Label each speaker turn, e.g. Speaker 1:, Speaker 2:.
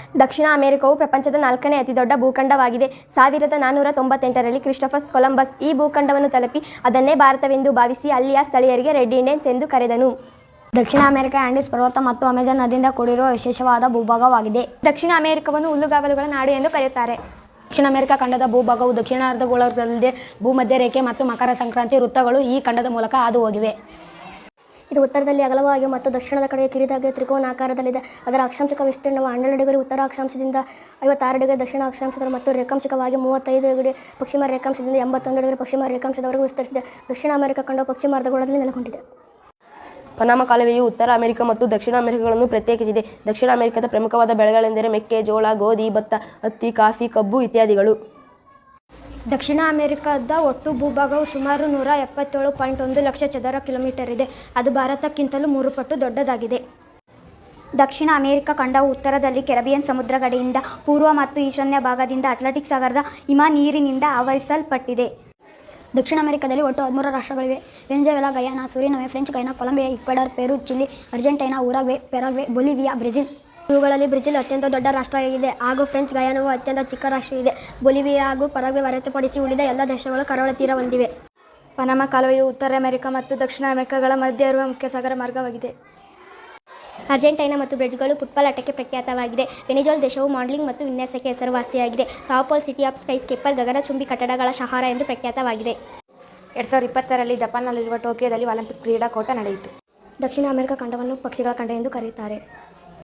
Speaker 1: ದಕ್ಷಿಣ ಅಮೆರಿಕವು ಪ್ರಪಂಚದ 4ನೇ ಅತಿದೊಡ್ಡ ಭೂಖಂಡವಾಗಿದೆ. 1498ರಲ್ಲಿ ಕ್ರಿಸ್ಟೋಫರ್ ಕೊಲಂಬಸ್ ಈ ಭೂಖಂಡವನ್ನು ತಲುಪಿ ಅದನ್ನೇ ಭಾರತವೆಂದು ಭಾವಿಸಿ ಅಲ್ಲಿಯ ಸ್ಥಳೀಯರಿಗೆ ರೆಡ್ ಇಂಡಿಯನ್ಸ್ ಎಂದು ಕರೆದನು.
Speaker 2: ದಕ್ಷಿಣ ಅಮೆರಿಕ ಆಂಡೀಸ್ ಪರ್ವತ ಮತ್ತು ಅಮೆಜಾನ್ ನದಿಯಿಂದ ಕೂಡಿರುವ ವಿಶೇಷವಾದ ಭೂಭಾಗವಾಗಿದೆ.
Speaker 1: ದಕ್ಷಿಣ ಅಮೆರಿಕವನ್ನು ಹುಲ್ಲುಗಾವಲುಗಳ ನಾಡು ಎಂದು ಕರೆಯುತ್ತಾರೆ.
Speaker 3: ದಕ್ಷಿಣ ಅಮೆರಿಕ ಖಂಡದ ಭೂಭಾಗವು ದಕ್ಷಿಣ ಅರ್ಧಗೋಳದಲ್ಲದೆ ಭೂಮಧ್ಯ ರೇಖೆ ಮತ್ತು ಮಕರ ಸಂಕ್ರಾಂತಿ ವೃತ್ತಗಳು ಈ ಖಂಡದ ಮೂಲಕ ಹಾದು ಹೋಗಿವೆ.
Speaker 2: ಇದು ಉತ್ತರದಲ್ಲಿ ಅಗಲವಾಗಿ ಮತ್ತು ದಕ್ಷಿಣದ ಕಡೆಗೆ ಕಿರಿದಾಗಿ ತ್ರಿಕೋನಾಕಾರದಲ್ಲಿದೆ. ಅದರ ಅಕ್ಷಾಂಶಿಕ ವಿಸ್ತೀರ್ಣವು 12 ಡಿಗ್ರಿ ಉತ್ತರ ಅಕ್ಷಾಂಶದಿಂದ 56 ಡಿಗ್ರಿ ದಕ್ಷಿಣ ಅಕ್ಷಾಂಶದ ಮತ್ತು ರೇಖಾಂಶಿಕವಾಗಿ 35 ಡಿಗ್ರಿ ಪಶ್ಚಿಮ ರೇಖಾಂಶದಿಂದ 81 ಡಿಗ್ರಿ ಪಶ್ಚಿಮ ರೇಖಾಂಶದವರೆಗೂ ವಿಸ್ತರಿಸಿದೆ. ದಕ್ಷಿಣ ಅಮೆರಿಕ ಖಂಡವು ಪಶ್ಚಿಮ ಅರ್ಧಗೋಳದಲ್ಲಿ ನೆಲೆಗೊಂಡಿದೆ.
Speaker 4: ಪನಾಮ ಕಾಲುವೆಯು ಉತ್ತರ ಅಮೆರಿಕ ಮತ್ತು ದಕ್ಷಿಣ ಅಮೆರಿಕಗಳನ್ನು ಪ್ರತ್ಯೇಕಿಸಿದೆ. ದಕ್ಷಿಣ ಅಮೆರಿಕದ ಪ್ರಮುಖವಾದ ಬೆಳೆಗಳೆಂದರೆ ಮೆಕ್ಕೆ, ಜೋಳ, ಗೋಧಿ, ಭತ್ತ, ಹತ್ತಿ, ಕಾಫಿ, ಕಬ್ಬು ಇತ್ಯಾದಿಗಳು.
Speaker 2: ದಕ್ಷಿಣ ಅಮೆರಿಕದ ಒಟ್ಟು ಭೂಭಾಗವು ಸುಮಾರು 177.1 ಲಕ್ಷ ಚದರ ಕಿಲೋಮೀಟರ್ ಇದೆ. ಅದು ಭಾರತಕ್ಕಿಂತಲೂ 3 ಪಟ್ಟು ದೊಡ್ಡದಾಗಿದೆ. ದಕ್ಷಿಣ ಅಮೆರಿಕ ಖಂಡವು ಉತ್ತರದಲ್ಲಿ ಕೆರಿಬಿಯನ್ ಸಮುದ್ರ ಗಡಿಯಿಂದ ಪೂರ್ವ ಮತ್ತು ಈಶಾನ್ಯ ಭಾಗದಿಂದ ಅಟ್ಲಾಂಟಿಕ್ ಸಾಗರದ ಹಿಮ ನೀರಿನಿಂದ ಆವರಿಸಲ್ಪಟ್ಟಿದೆ. ದಕ್ಷಿಣ ಅಮೆರಿಕದಲ್ಲಿ ಒಟ್ಟು 13 ರಾಷ್ಟ್ರಗಳಿವೆ. Venezuela, Guyana, Suriname, French Guiana, Colombia, Ecuador, Peru, Chile, Argentina, Uruguay, Paraguay, Bolivia, Brazil. ಇವುಗಳಲ್ಲಿ ಬ್ರೆಜಿಲ್ ಅತ್ಯಂತ ದೊಡ್ಡ ರಾಷ್ಟ್ರವಾಗಿದೆ ಹಾಗೂ ಫ್ರೆಂಚ್ ಗಯಾನವು ಅತ್ಯಂತ ಚಿಕ್ಕ ರಾಷ್ಟ್ರವಿದೆ. ಬೊಲಿವಿಯಾ ಹಾಗೂ ಪರಾಗ್ವೆ ಹೊರತುಪಡಿಸಿ ಉಳಿದ ಎಲ್ಲ ದೇಶಗಳು ಕರಾವಳಿ ತೀರ ಹೊಂದಿವೆ.
Speaker 1: ಪನಾಮ ಕಾಲುವೆಯು ಉತ್ತರ ಅಮೆರಿಕ ಮತ್ತು ದಕ್ಷಿಣ ಅಮೆರಿಕಗಳ ಮಧ್ಯೆ ಇರುವ ಮುಖ್ಯ ಸಾಗರ ಮಾರ್ಗವಾಗಿದೆ.
Speaker 2: ಅರ್ಜೆಂಟೈನಾ ಮತ್ತು ಬ್ರೆಜಿಲ್ಗಳು ಫುಟ್ಬಾಲ್ ಆಟಕ್ಕೆ ಪ್ರಖ್ಯಾತವಾಗಿದೆ. ವೆನೆಜುವೆಲಾ ದೇಶವು ಮಾಡೆಲಿಂಗ್ ಮತ್ತು ವಿನ್ಯಾಸಕ್ಕೆ ಹೆಸರುವಾಸಿಯಾಗಿದೆ. Sao Paulo city of skyscraper ಗಗನಚುಂಬಿ ಕಟ್ಟಡಗಳ ಶಹರ ಎಂದು ಪ್ರಖ್ಯಾತವಾಗಿದೆ.
Speaker 3: 2020ರಲ್ಲಿ ಜಪಾನ್ನಲ್ಲಿರುವ ಟೋಕಿಯೋದಲ್ಲಿ ಒಲಿಂಪಿಕ್ ಕ್ರೀಡಾಕೂಟ ನಡೆಯಿತು.
Speaker 2: ದಕ್ಷಿಣ ಅಮೆರಿಕ ಖಂಡವನ್ನು ಪಕ್ಷಿಗಳ ಖಂಡ ಎಂದು ಕರೆಯುತ್ತಾರೆ.